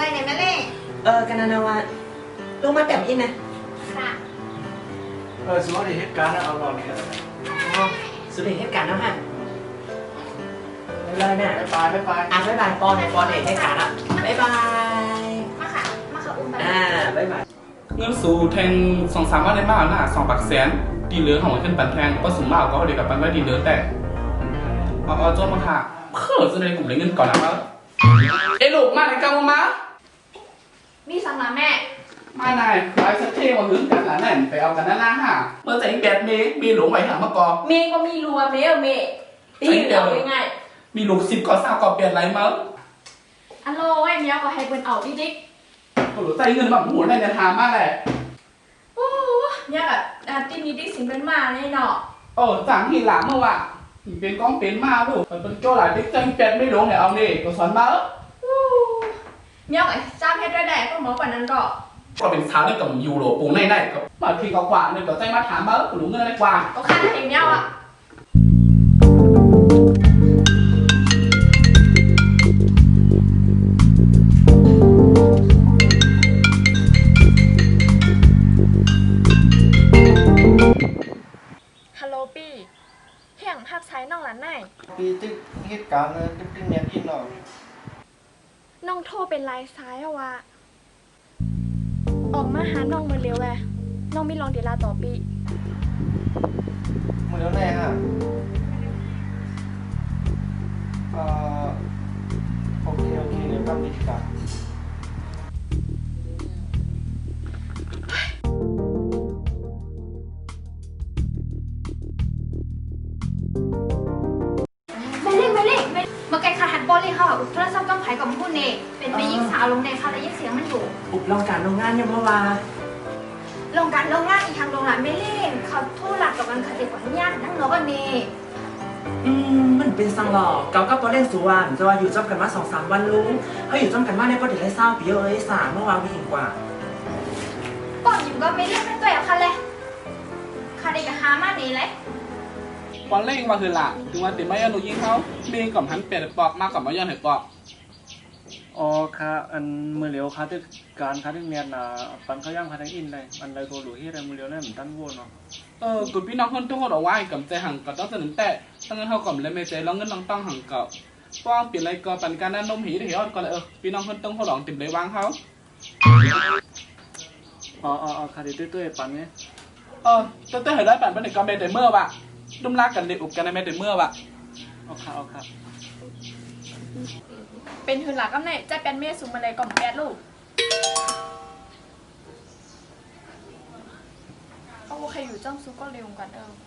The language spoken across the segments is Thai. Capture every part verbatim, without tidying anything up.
เนี่ยแม่เล่เออกันนาวาลงมาแบบอินนะค่ะเออสมมติเหตุการณ์เอาลองเนี่ยอ๋อสุดเหตุการณ์แล้วฮะเลยเนี่ยไปไปไปอ่ะบ๊ายบายปอนปอนเหตุการณ์ละบ๊ายบายมาค่ะมาค่ะอุ้มไปอ่าบ๊ายบายเงินสูแทงสองสามวันได้มากน่ะสองปักแสนดีเหลือของมันขึ้นปันแทงก็สูงมากก็เดียวกับปันไว้ดีเหลือแต่เอาเอาโจ้มาค่ะเพื่อจะได้กลุ่มเลยเงินก่อนนะครับเอ้ลูกมาในกลางมามีสังหนาแม่ไม่นายไอ้สักเท่มาหึงกันหลานนั่นไปเอากันนั่นล่ะฮะเมื่อใจแบดเมย์มีหลงไหวหามาก่อเมย์ก็มีรัวเมย์เมย์ตีเอาง่ายมีลูกสิบก่อสาวก่อเปลี่ยนไรมั้งอันโลไอ้เมียก็ให้เป็นเอาดิดิก็หลุดใจเงินแบบหมุนในเนี่ยทามากเลยโอ้เนี่ยแบบตีนี้ดิสิเป็นมาเนี่ยเนาะเออสั่งทีหลังเมื่อวะเป็นก้องเป็นมาลูกมันเป็นโจ้หลายติ๊กจังแบดไม่หลงเนี่ยเอาเนี่ยก็สอนมาเมียก็จ้างให้ด้วยแดดก็หมอกว่านั้นก็ก็เป็นเช้าเนี่ยกับยูโรปูในในกับบางทีก็กว่าเนี่ยก็ใจมาถามมาหนูเงินอะไรกว่าก็ค่าได้เมียอ่ะฮัลโหลปีเฮียงภาพใช้น้องหลานไหนปีตึกเหตุการณ์ตึกตึกเนียนอินหน่อยน้องโทรเป็นลายซ้ายอะวะออกมาหาน้องมาเร็วเลยน้องมีลองเดลาต่อปีมือแล้วแน่ฮะเอ่อโอเคโอเคเดี๋ยวทำกิจกรรมไม่เล่นไม่เล่นไม่เมื่อไก่ขาหันบอลเลยค่ะอุปโทรศัพท์ต้องไผ่กับพูดเน่เป็นไปยิงสาวลงในค่ะแล้วยิงเสียงมันอยู่อุบลองการโรงงานยังเมื่อวานโรงการโรงงานอีกทางโรงงานไม่เล่นเขาโทษหลักกับมันคดีกว่านี้นั่งเนาะกันนี่อืมมันเป็นสังหลอกเก่าก็ปอเล่นสุวรรณจะว่าอยู่จำกันมาสองสามวันลุงเขาอยู่จำกันมาในประเดี๋ยวไรเศร้าปีเอ้ยสามเมื่อวานวิ่งกว่าก่อนอยู่ก็ไม่เล่นไม่ตัวอย่างคันเลยคดีกับฮามานี่เลยตอนเล่งมาคือหล่ะถึงวันติดไม่ยันหนูยิงเขาเมียกับหันเปลี่ยนปอกมากกับมายันเห็ดปอกอ๋อค่ะอันมือเหลียวค่ะที่การค่ะที่เนียนอ่ะปันเขาย่างค่ะทั้งอินเลยอันใดโกหลุที่อะไรมือเหลียวเนี่ยเหมือนตั้นวัวเนาะเออกุพี่น้องคนทุกคนเอาไว้กับใจหังกับต้องสนิทแต่ตั้งเงินเท่ากับเลยไม่ใจแล้วเงินน้องต้องหังกับป้องเปลี่ยนอะไรก็ปันการนั้นนมหีได้เหรอก็เลยเออพี่น้องคนต้องเขาหลงติดเลยวางเขาอ๋ออ๋อค่ะที่ตุ้ยๆปันเนี่ยเออตุ้ยๆเห็นได้ปันเป็นเด็กก็ไม่ได้เมื่อวะดุมรักกันเด็กอุบกันในไม่ได้เมื่อวะเอาค่ะเอาค่ะเป็นหืนหลักกำเนิดจะเป็นเมียสูงมาเลยก่อนแปดลูกโอเคอยู่จ้องซุกก็เร็วกันเออ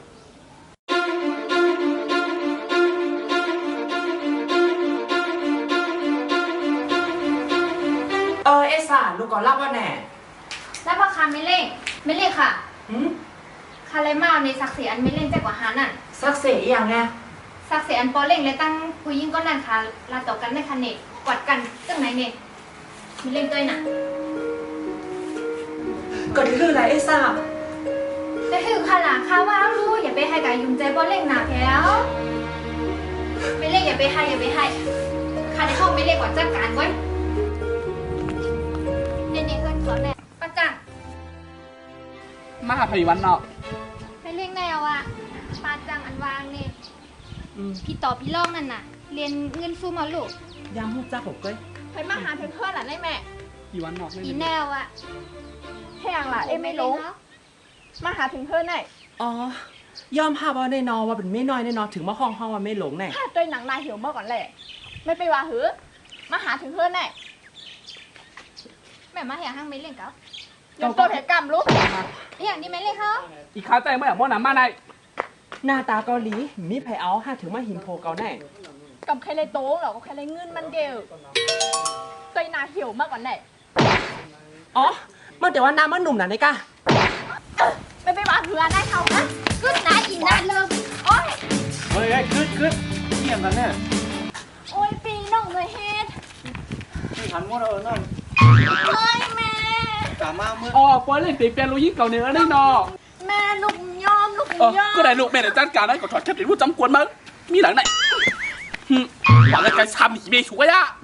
เออเอซ่าลูกก่อนรับว่าแน่แล้วพ่อค้าไม่เล่งไม่เล่งค่ะหืมคาเลมาในศักดิ์ศรีอันไม่เล่งแจ้กว่าฮานั่นศักดิ์ศรีอย่างไงศักดิ์ศรีอันปอเล่งเลยตั้งผู้ยิ่งก็นั่นค่ะลาต่อกันในคันเนตกอดกันตั้งไหนเนี่ยมีเล่งตัวน่ะก็คืออะไรไอ้ซ่าแต่คือค่ะหลังค่ะว่ารู้อย่าไปให้กับยุ่งใจปอเล่งหนาแพ้วไม่เล่งอย่าไปให้อย่าไปให้ค่ะในห้องไม่เล่งกว่าจัดการไว้เนี่ยเนี่ยเพื่อนเขาแน่ปัจจังมาหาพยวันเนาะไม่เล่งแนวอ่ะปัจจังอันวางเนี่ยพี่ต่อพี่ล่องนั่นน่ะเรียนเงินซูมาลูกยามหูจ้าผมก็ไปมาหาเพื่อนเพื่อนหล่ะได้แม่อีวันนอกอีแนวอะแห้งล่ะเอ้ไม่ลงมาหาถึงเพื่อนไหนอ๋อยอมภาพว่าแน่นอนว่าเป็นไม่น้อยแน่นอนถึงมาห้องห้องว่าไม่หลงแน่ถ้าตัวหนังนายเหี่ยวเมื่อก่อนแหละไม่ไปว่าหือมาหาถึงเพื่อนไหนแม่มาแห่ห้างไม่เล่นกับยกตัวแถกรรมลูกอย่างนี้ไม่เล่นเขาอีข้าใจเมื่ออย่างม่อน้ำมาในหน้าตาเกาหลีมีไผเอาห้าถึงมาหิมโพเกาแน่กับใครเลยโต้หรอกับใครเลยเงินมันเดียวตัวนาเหี่ยวมากกว่าไหนอ๋อเมื่อแต่ว่าน้ำมันหนุ่มน่ะนี่กะไม่ไปว่าเผื่อได้เขานะกึศนะอินนะเลิกโอ้ยเฮ้ยกึศกึศเที่ยงกันเนี่ยโอ้ยปีน้องเลยเฮ็ดนี่หันมัวเออนั่นเฮ้ยแม่กลับมาเมื่ออ๋อปอยเล่นตีเปียโนยิ่งเก่าเนื้อได้นอแม่ลูกยอมลูกยอมก็ได้ลูกแม่เดี๋ยวจัดการได้ก็ถอดแค่ติดผู้จำกวนมั้งมีหลังไหนหวังจะการทำหนีเมย์ชัวร์ยะ